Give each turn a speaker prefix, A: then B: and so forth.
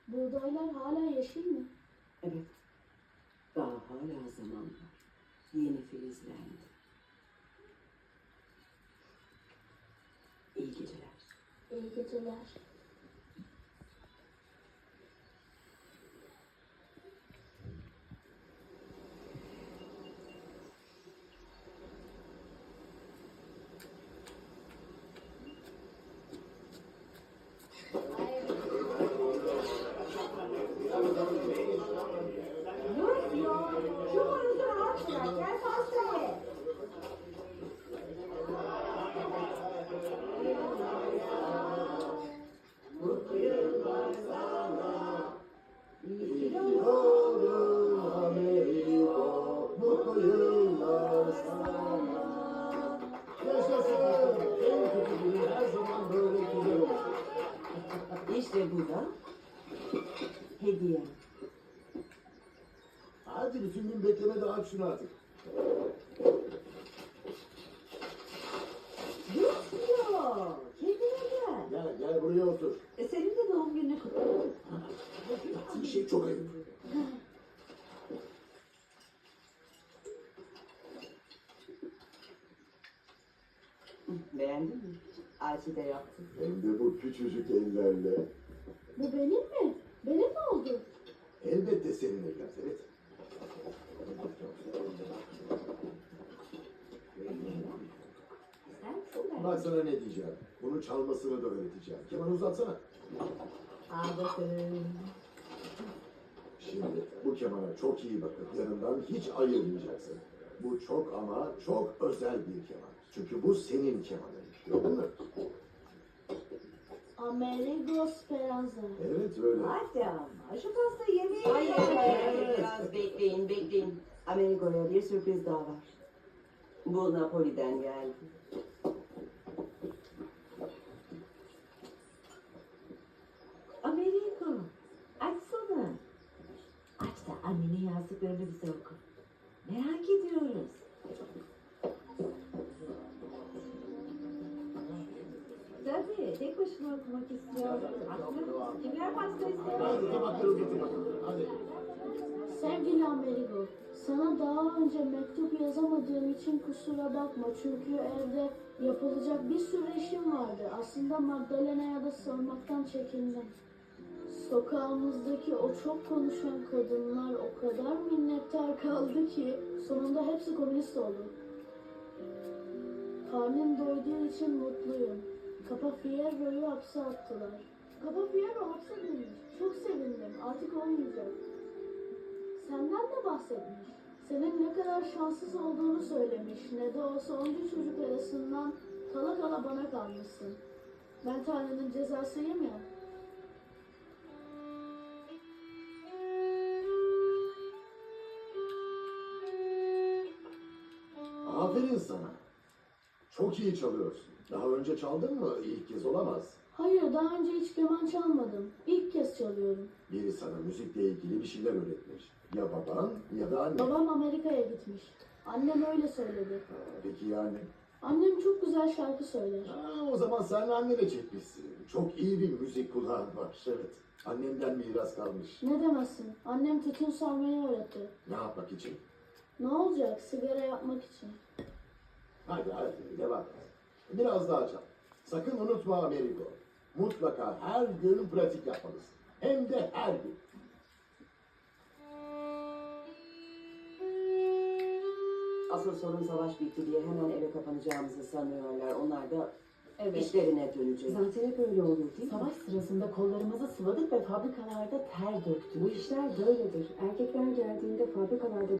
A: Buğdaylar hala yeşil mi?
B: Evet. Daha hala zaman var. Yeni filizlendi. İyi geceler.
A: İyi geceler.
C: Mutlu yıllar sana. Yaşasın. En kötü günün her zaman böyle güzel olur.
B: İşte bu da hediye.
C: Hadi bütün gün bekleme de aç şunu artık.
D: Yok, kendine gel.
C: Gel buraya otur.
D: Senin de doğum gününü kutlayalım.
C: Yaptığın şey çok ayıp.
B: Beğendin mi? Ayşe de yaptı.
C: Hem de bu küçücük ellerle.
A: Bu benim mi? Benim mi oldu?
C: Elbette senin evlat, evet.
D: Sen çok
C: Bak sana ne diyeceğim. Bunu çalmasını da öğreteceğim. Kemanı uzatsana.
D: Al bakalım.
C: Şimdi bu kemana çok iyi bakın. Yanından hiç ayırmayacaksın. Bu çok ama çok özel bir keman. Çünkü bu senin kemanın. Gördün mü?
A: Amerigo Speranza.
C: Evet öyle.
D: Hadi ama şu pastayı yemeğe
B: Hayır,
D: gel.
B: hayır, biraz bekleyin. Amerigo'ya bir sürpriz daha var. Bu Napoli'den geldi.
D: Amerigo, açsana. Aç da annenin yazdıklarını bize oku. Merak ediyoruz. Tabii, tek başına okumak istiyorum. Haklı. Kimler pasta istiyor?
C: Hadi tabakları getir bakalım. Hadi.
A: Sevgili Amerigo, sana daha önce mektup yazamadığım için kusura bakma. Çünkü evde yapılacak bir sürü işim vardı. Aslında Magdalena'ya da sormaktan çekindim. Sokağımızdaki o çok konuşan kadınlar o kadar minnettar kaldı ki sonunda hepsi komünist oldu. Karnım doyduğu için mutluyum. Papa Fierro'yu hapse attılar. Papa Fierro hapse girmiş. Çok sevindim. Artık olmayacak. Senden de bahsetmiş. Senin ne kadar şanssız olduğunu söylemiş. Ne de olsa onca çocuk arasından kala kala bana kalmışsın. Ben Tanrı'nın cezasıyım ya.
C: Aferin sana. Çok iyi çalıyorsun. Daha önce çaldın mı? İlk kez olamaz.
A: Hayır, daha önce hiç keman çalmadım. İlk kez çalıyorum.
C: Biri sana müzikle ilgili bir şeyler öğretmiş. Ya baban ya da annen.
A: Babam Amerika'ya gitmiş. Annem öyle söyledi.
C: Peki yani?
A: Annem çok güzel şarkı söyler.
C: O zaman sen annene çekmişsin. Çok iyi bir müzik kulağın var. Evet. Annemden miras kalmış.
A: Ne demezsin? Annem tütün sarmayı öğretti.
C: Ne yapmak için?
A: Ne olacak? Sigara yapmak için.
C: Hadi devam et. Biraz daha çal. Sakın unutma Amerigo. Mutlaka her gün pratik yapmalısın. Hem de her gün.
B: Asıl sorun savaş bitti diye hemen eve kapanacağımızı sanıyorlar. Onlar da
E: Evet.
B: işlerine dönecek.
E: Zaten hep öyle olur değil mi?
D: Savaş sırasında kollarımızı sıvadık ve fabrikalarda ter döktük.
E: Bu işler böyledir. Erkekler geldiğinde fabrikalarda